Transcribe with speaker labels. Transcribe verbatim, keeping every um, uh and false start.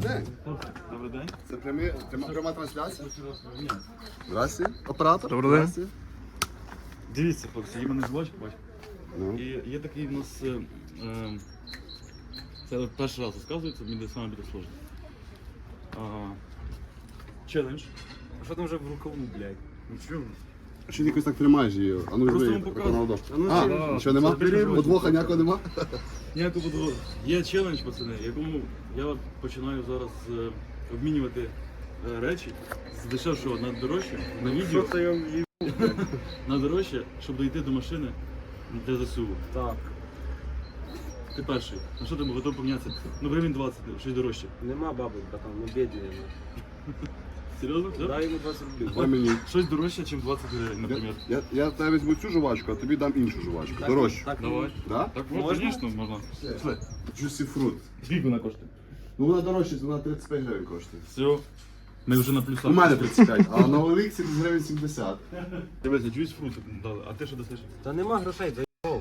Speaker 1: день.
Speaker 2: Добрий день.
Speaker 1: Це прямі, пряма, пряма трансляція? Здрасте, оператор.
Speaker 3: Добрий день.
Speaker 1: Здрасте.
Speaker 2: Дивіться, хлопці, є мене звать, бач.
Speaker 1: Ну.
Speaker 2: І є такий в нас. Е, е, це перший раз розказується, мені саме буде сложно. А, челендж.
Speaker 4: А що там вже в рукаву, блядь?
Speaker 2: Нічого.
Speaker 1: А що ти якось так тримаєш її? А ну
Speaker 2: Просто
Speaker 1: візьми,
Speaker 2: вам показую.
Speaker 1: виконав дошку.
Speaker 4: А ну,
Speaker 1: А,
Speaker 4: чи-
Speaker 1: нічого нема?
Speaker 2: Заберіть.
Speaker 1: Подвоха ніякого нема?
Speaker 2: Ніяку буду. Є челендж, пацани, в якому я от починаю зараз е, обмінювати е, речі з дешевшого на дорожче на відео.
Speaker 4: Що я її...
Speaker 2: На дорожче, щоб дійти до машини для ЗСУ.
Speaker 4: Так.
Speaker 2: Ти перший. На що ти готовий помінятися? Ну, гривень двадцять, щось дорожче.
Speaker 4: Нема баби, братан, ми бідні.
Speaker 2: Серйозно? Все?
Speaker 4: Дай йому двадцять рублів.
Speaker 1: Дай мені.
Speaker 2: Щось дорожче, ніж двадцять гривень,
Speaker 1: Я,
Speaker 2: наприклад.
Speaker 1: я, я в тебе візьму цю жувачку, а тобі дам іншу жувачку.
Speaker 4: Так,
Speaker 1: Дорожче.
Speaker 4: Так,
Speaker 2: Давай.
Speaker 1: Да?
Speaker 2: Так,
Speaker 4: Можна?
Speaker 2: звісно, можна. Пішли.
Speaker 1: Juicy fruit.
Speaker 2: Скільки вона коштує?
Speaker 1: Ну вона дорожча, вона тридцять п'ять гривень коштує.
Speaker 2: Все. Ми вже на плюсах.
Speaker 1: У мене тридцять п'ять, а на Олексі гривень сімдесят.
Speaker 2: Дивися, джуйс фрут дали. А ти що дасиш?
Speaker 4: Та нема грошей,